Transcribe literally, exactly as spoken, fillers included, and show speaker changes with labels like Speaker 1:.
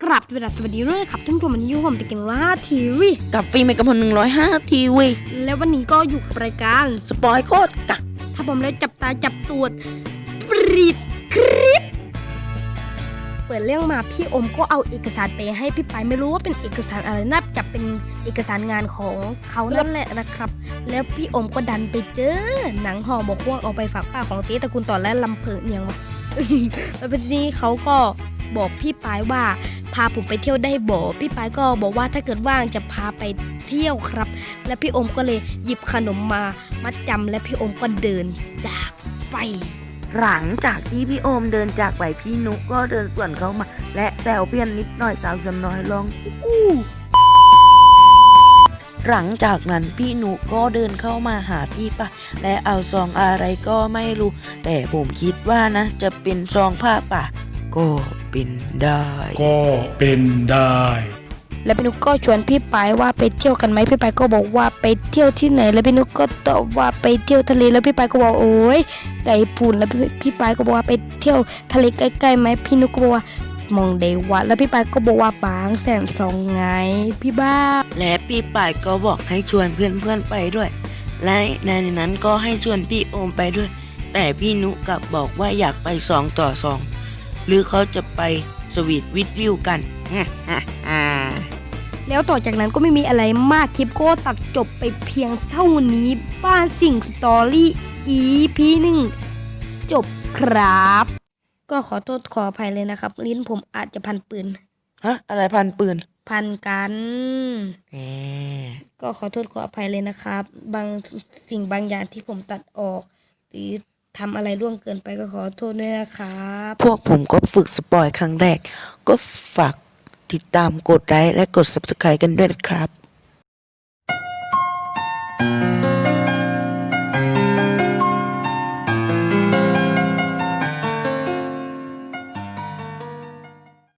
Speaker 1: กราบเวลาสวัสดีด้วยครับท่านผู้ชมวันนี้อยู่ผมตะเกียงร้อยห้าทีวี
Speaker 2: กับฟิล์มเอกพลหนึ่งร้อยห้าทีวี
Speaker 1: แล้ววันนี้ก็อยู่กับรายการ
Speaker 2: สปอยโคตรกัก
Speaker 1: ถ้าผมแล้วจับตาจับตัวปรีดคลิปเปิดเรื่องมาพี่อมก็เอาเอกสารไปให้พี่ไปไม่รู้ว่าเป็นเอกสารอะไรน่าจะเป็นเอกสารงานของเขานั่นแหละนะครับแล้วพี่อมก็ดันไปเจอหนังห่อหมกพวกเอาไปฝากป้าของเต้ตระกูลต่อและลำเพิงอย่างวะ แล้วทีนี้เขาก็บอกพี่ปายว่าพาผมไปเที่ยวได้บ่พี่ปายก็บอกว่าถ้าเกิดว่างจะพาไปเที่ยวครับและพี่อมก็เลยหยิบขนมมามัดจำและพี่อมก็เดินจากไป
Speaker 2: หลังจากที่พี่โอมเดินจากไปพี่นุกก็เดินสวนเข้ามาและแซวเพี้ยนนิดหน่อยสาวจำน้อยลองอู้หลังจากนั้นพี่นุกก็เดินเข้ามาหาพี่ปะและเอาซองอะไรก็ไม่รู้แต่ผมคิดว่านะจะเป็นซองผ้าป่ะก็เป็นได้
Speaker 3: ก็เป็นได้
Speaker 1: แล้วพี่นุกก็ชวนพี่ปายว่าไปเที่ยวกันไหมพี่ปายก็บอกว่าไปเที่ยวที่ไหนแล้วพี่นุกก็ตอบว่าไปเที่ยวทะเลแล้วพี่ปายก็บอกโอ้ยไก่ปุ่นแล้วพี่ปายก็บอกว่าไปเที่ยวทะเลใกล้ๆไหมพี่นุกก็บอกว่ามองได้วัดแล้วพี่ปายก็บอกว่าบางแสนสองไงพี่บ้า
Speaker 2: และพี่ปายก็บอกให้ชวนเพื่อนๆไปด้วยและในนั้นก็ให้ชวนพี่โอมไปด้วยแต่พี่นุกลับบอกว่าอยากไปสองต่อสองหรือเขาจะไปสวีทวิดวิวกัน
Speaker 1: แล้วต่อจากนั้นก็ไม่มีอะไรมากคลิปก็ตัดจบไปเพียงเท่านี้บ้านสิ่งสตอรี่ อี พี หนึ่งจบครับก็ขอโทษขออภัยเลยนะครับลิ้นผมอาจจะพันปืน
Speaker 2: ฮะอะไรพันปืน
Speaker 1: พันกัน
Speaker 2: แหม
Speaker 1: ก็ขอโทษขออภัยเลยนะครับบางสิ่งบางอย่างที่ผมตัดออกหรือทำอะไรล่วงเกินไปก็ขอโทษด้วยนะครับ
Speaker 2: พวกผมก็ฝึกสปอยครั้งแรกก็ฝากติดตามกดไลค์และกด ซับสไครบ์ กันด้วยนะครับ